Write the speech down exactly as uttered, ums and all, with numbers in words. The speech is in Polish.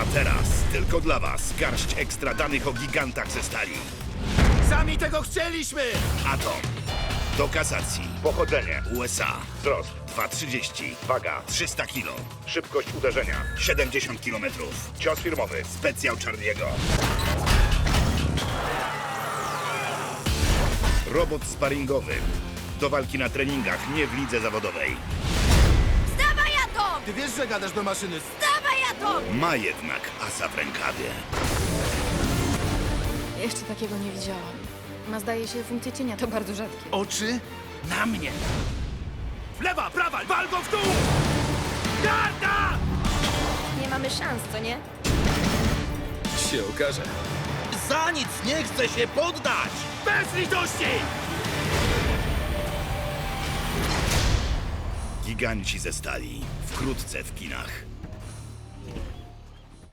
Teraz tylko dla was garść ekstra danych o gigantach ze stali. Sami tego chcieliśmy! Atom. Do kasacji. Pochodzenie. U S A. Wzrost dwa trzydzieści. Waga trzysta kilo. Szybkość uderzenia siedemdziesiąt kilometrów. Cios firmowy. Specjał Charlie'ego. Robot sparingowy. Do walki na treningach, nie w lidze zawodowej. Wstawaj, Atom! Ty wiesz, że gadasz do maszyny. Wstawaj, Atom! Ma jednak asa w rękawie. Jeszcze takiego nie widziałam. Ma, zdaje się, funkcję cienia, to bardzo rzadkie. Oczy na mnie. Lewa, prawa, wal go w dół! Garda! Nie mamy szans, co nie? Się okaże. Za nic nie chcę się poddać! Bez litości! Giganci ze stali. Wkrótce w kinach.